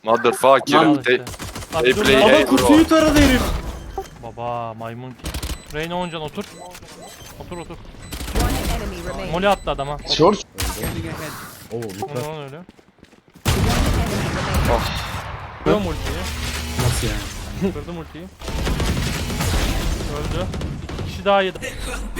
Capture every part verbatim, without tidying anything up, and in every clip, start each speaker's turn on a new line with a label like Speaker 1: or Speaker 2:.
Speaker 1: Motherfucker.
Speaker 2: Lan
Speaker 1: They,
Speaker 2: işte. Bak,
Speaker 1: they
Speaker 2: dur
Speaker 1: play
Speaker 2: lan.
Speaker 1: A,
Speaker 3: Baba
Speaker 1: bro.
Speaker 3: kutuyu taradı herif.
Speaker 2: Baba maymun ki. Reyna oncan otur. Otur otur.
Speaker 4: One enemy remaining.
Speaker 2: Moli attı adama.
Speaker 5: Short.
Speaker 6: Oo
Speaker 2: O
Speaker 6: lütfen.
Speaker 2: ne lan öyle?
Speaker 4: Enemy remaining.
Speaker 2: Kırdım ultiyi.
Speaker 3: Nasıl yani?
Speaker 2: Kırdım ultiyi. Öldü. İki kişi daha yedi.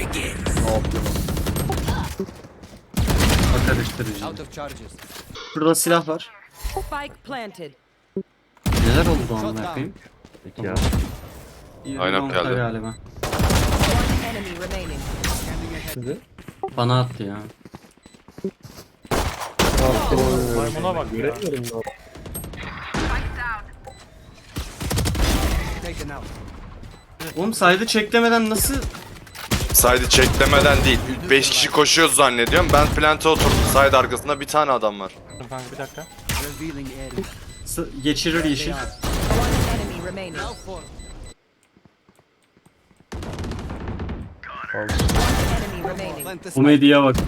Speaker 3: Bak karıştırıcı. Şurada silah var.
Speaker 4: Spike planted.
Speaker 3: Neler oldu amına koyayım?
Speaker 6: Peki ya.
Speaker 1: Aynen
Speaker 3: Long
Speaker 1: geldi.
Speaker 3: galiba.
Speaker 4: One enemy remaining.
Speaker 6: Şimdi.
Speaker 3: Bana attı ya.
Speaker 2: Maymuna bak ya.
Speaker 6: Göremiyorum ya.
Speaker 3: Oğlum saydı çeklemeden nasıl?
Speaker 1: Side'ı çeklemeden değil. beş kişi koşuyoruz zannediyorum. Ben plante oturdum. Side arkasında bir tane adam var.
Speaker 2: Dur kanka bir dakika.
Speaker 3: S- geçirir yeşil.
Speaker 4: One enemy remaining. Enemy remaining.
Speaker 3: Bu medyaya bak.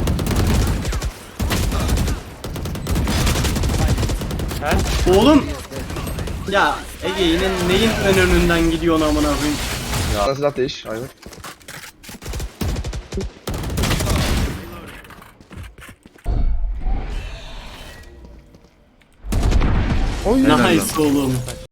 Speaker 2: Gel.
Speaker 3: Oğlum! Ya Ege yine neyin ön önünden gidiyorsun amına koyayım?
Speaker 5: Sana silah değiş. Aynen.
Speaker 3: Nice oğlum.